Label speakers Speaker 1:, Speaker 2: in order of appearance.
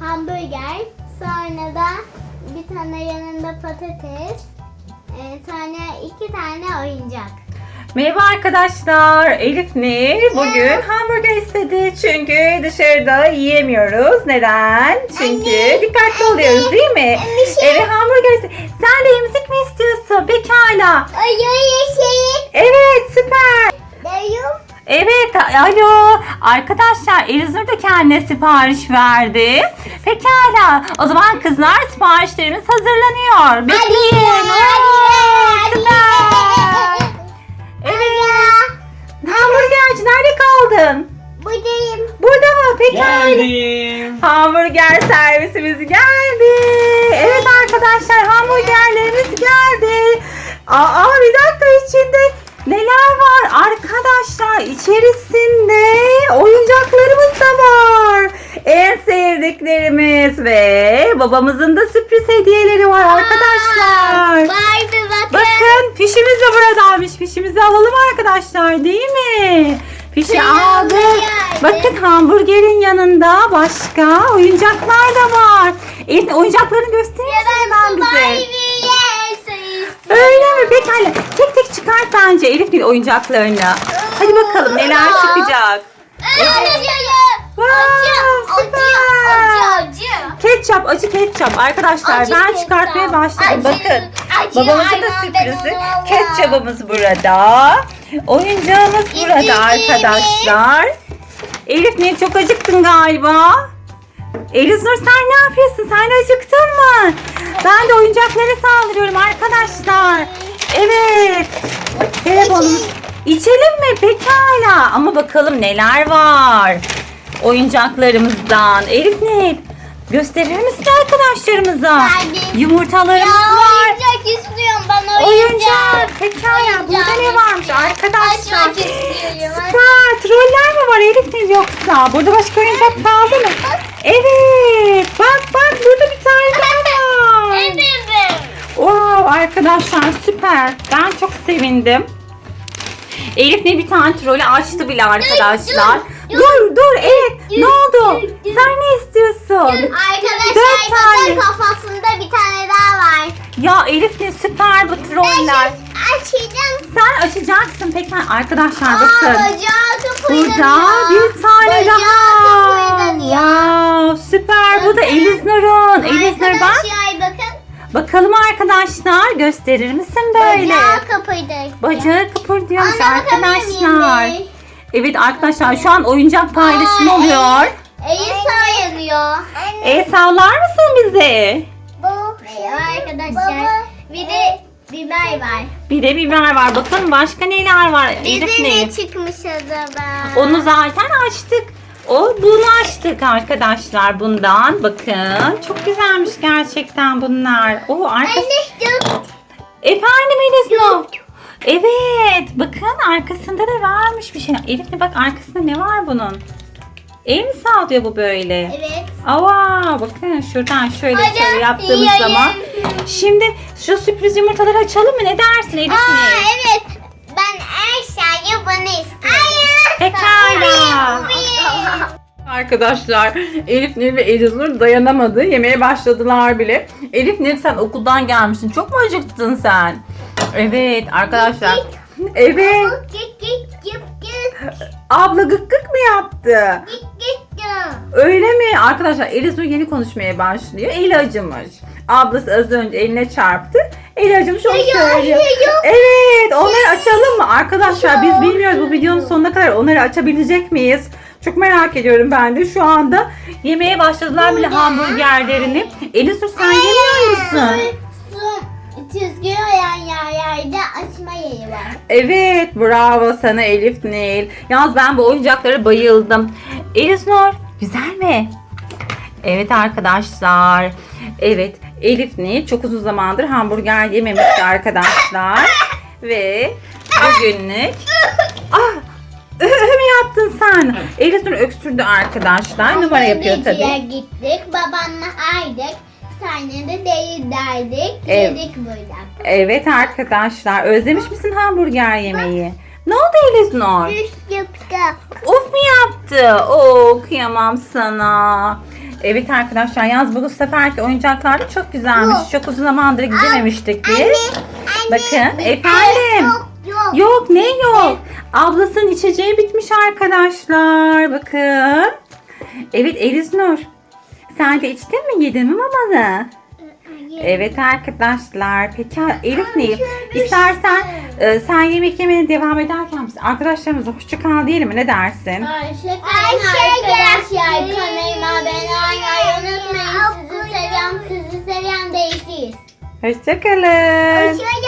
Speaker 1: hamburger, sonra da bir tane yanında patates, sonra 2 tane oyuncak.
Speaker 2: Merhaba arkadaşlar. Elif Nil bugün hamburger istedi. Çünkü dışarıda yiyemiyoruz. Neden? Çünkü dikkatli oluyoruz değil mi? Evet, hamburger istedi. Sen de emzik mi istiyorsun? Pekala. Evet, süper. Evet, alo. Arkadaşlar Elizur da kendine sipariş verdi. Pekala. O zaman kızlar siparişlerimiz hazırlanıyor. Bekleyin. Süper. Evet. Hamburgerci nerede kaldın?
Speaker 1: Buradayım.
Speaker 2: Burada mı? Pekala.
Speaker 3: Geldim.
Speaker 2: Hamburger servisimiz geldi. Evet arkadaşlar, hamburgerlerimiz geldi. Bir dakika, içinde neler var? Arkadaşlar içerisinde oyuncaklarımız da var. En sevdiklerimiz ve babamızın da sürpriz hediyeleri var arkadaşlar.
Speaker 1: Barbie bakın.
Speaker 2: Bakın, fişimiz de buradaymış. Fişimizi alalım arkadaşlar, değil mi? Fişi aldık. Bakın, hamburgerin yanında başka oyuncaklar da var. Evet, oyuncaklarını gösterir misin hemen bize? Öyle mi? Pekala. Tek tek çıkart bence Elif bir oyuncaklarını. Hadi bakalım neler çıkacak. Ketçap, acı ketçap. Arkadaşlar
Speaker 1: Acı
Speaker 2: ben
Speaker 1: ketçap.
Speaker 2: çıkartmaya başladım.
Speaker 1: Acı.
Speaker 2: Bakın.
Speaker 1: Acı
Speaker 2: Babamızın da
Speaker 1: ayran
Speaker 2: sürprizi.
Speaker 1: deniyorlar.
Speaker 2: Ketçabımız burada. Oyuncağımız burada
Speaker 1: İstediğimiz.
Speaker 2: arkadaşlar. Elif, niye çok acıktın galiba? Eliznur, sen ne yapıyorsun? Sen de acıktın mı? Ben de oyuncaklara saldırıyorum arkadaşlar. Evet. Telefonumuz. İçelim mi? Pekala. Ama bakalım neler var oyuncaklarımızdan. Elif, ne? Gösterir misin arkadaşlarımıza?
Speaker 1: Verdim.
Speaker 2: Yumurtalarımız var.
Speaker 1: Oyuncak istiyorum ben
Speaker 2: Oyuncak. Pekala. Burada ne varmış arkadaşlar?
Speaker 1: Açmak istiyorum.
Speaker 2: Süper. Troller mi var Elif, ne yoksa? Burada başka oyuncak kaldı mı? Evet. Bak burada bir tane daha var.
Speaker 1: Evet.
Speaker 2: Wow, arkadaşlar süper. Ben çok sevindim. Elif ne bir tane trolü açtı bile arkadaşlar. Dur. Evet. Ne oldu? Sen ne istiyorsun?
Speaker 1: Arkadaşlar
Speaker 2: 4 tane.
Speaker 1: bakın kafasında bir tane daha var.
Speaker 2: Ya Elif ne süper bu troller.
Speaker 1: Açacağım.
Speaker 2: Sen açacaksın. Peki arkadaşlar bakın.
Speaker 1: Bacağı kıpırdanıyor.
Speaker 2: Burada bir tane
Speaker 1: Bacağı
Speaker 2: daha.
Speaker 1: kıpırdanıyor.
Speaker 2: Wow, süper. Bu da Eliznur'un. Eliznur bak.
Speaker 1: Arkadaşlar bakın.
Speaker 2: Bakalım arkadaşlar, gösterir misin böyle?
Speaker 1: Bacağı kıpırdanıyor.
Speaker 2: Bacağı kıpırdıyormuş
Speaker 1: Anne, bakabilir miyim
Speaker 2: arkadaşlar.
Speaker 1: bir?
Speaker 2: Evet arkadaşlar, şu an oyuncak paylaşımı oluyor.
Speaker 1: Elisa yanıyor.
Speaker 2: Sallar mısın bize?
Speaker 1: Merhaba arkadaşlar. Bir de biber var.
Speaker 2: Bir de biber var. Bakın başka neler var. Elif
Speaker 1: Bize
Speaker 2: ne?
Speaker 1: ne çıkmış acaba?
Speaker 2: Onu zaten açtık. Bunu açtık arkadaşlar bundan. Bakın çok güzelmiş gerçekten bunlar. Arkası. Efendim Eliznur. Evet, bakın arkasında da varmış bir şey. Elif bak, arkasında ne var bunun? El mi sağlıyor bu böyle?
Speaker 1: Evet.
Speaker 2: Bakın şuradan şöyle
Speaker 1: Hadi
Speaker 2: şöyle yaptığımız
Speaker 1: yiyeyim.
Speaker 2: zaman. Şimdi şu sürpriz yumurtaları açalım mı? Ne dersin Elif?
Speaker 1: Evet. Ben Erşa'yı bana istiyorum.
Speaker 2: Pekala. Arkadaşlar Elif Nil ve Eliznur dayanamadı. Yemeye başladılar bile. Elif Nil, sen okuldan gelmişsin. Çok mu acıktın sen? Evet arkadaşlar. Evet. Abla gık gık mı yaptı? Öyle mi? Arkadaşlar Eliznur yeni konuşmaya başlıyor. Eli acımış. Ablası az önce eline çarptı. Eli acımış, onu söylüyor. Evet, onları açalım mı? Arkadaşlar biz bilmiyoruz bu videonun sonuna kadar onları açabilecek miyiz? Çok merak ediyorum ben de. Şu anda yemeye başladılar bile hamburgerlerini. Eliznur, sen yemiyor musun?
Speaker 1: Çizgi olan yerlerde açma yeri var.
Speaker 2: Evet, bravo sana Elif Nil. Yalnız ben bu oyuncaklara bayıldım. Eliznur, güzel mi? Evet arkadaşlar. Evet, Elif Nil çok uzun zamandır hamburger yememişti arkadaşlar. Ve bugünlük... mi yaptın sen? Eliznur öksürdü arkadaşlar. Numara yapıyor tabii.
Speaker 1: Gittik, babamla aydık. Sonra da değil derdik.
Speaker 2: Evet.
Speaker 1: Yedik burada.
Speaker 2: Evet arkadaşlar, özlemiş misin hamburger yemeği? Ne oldu Eliznur?
Speaker 1: Üst yaptı.
Speaker 2: Of mu yaptı? Kıyamam sana. Evet arkadaşlar, yalnız bu seferki oyuncaklar da çok güzelmiş. Çok uzun zamandır gidememiştik biz. Bakın efendim.
Speaker 1: Yok.
Speaker 2: Yok, ne yok? Ablasının içeceği bitmiş arkadaşlar. Bakın. Evet Eliznur. Sen de içtin mi, yedin mi mamanı? Evet arkadaşlar. Peki Elif ne? İstersen sen yemek yemeye devam ederken biz arkadaşlarımıza hoşça kal diyelim mi? Ne dersin?
Speaker 1: Ayşe arkadaşlar kanalıma abone olmayı unutmayın. Sizi seviyorum. Sizi seviyorum. Değişiyiz.
Speaker 2: Hoşça kalın.
Speaker 1: Hoşça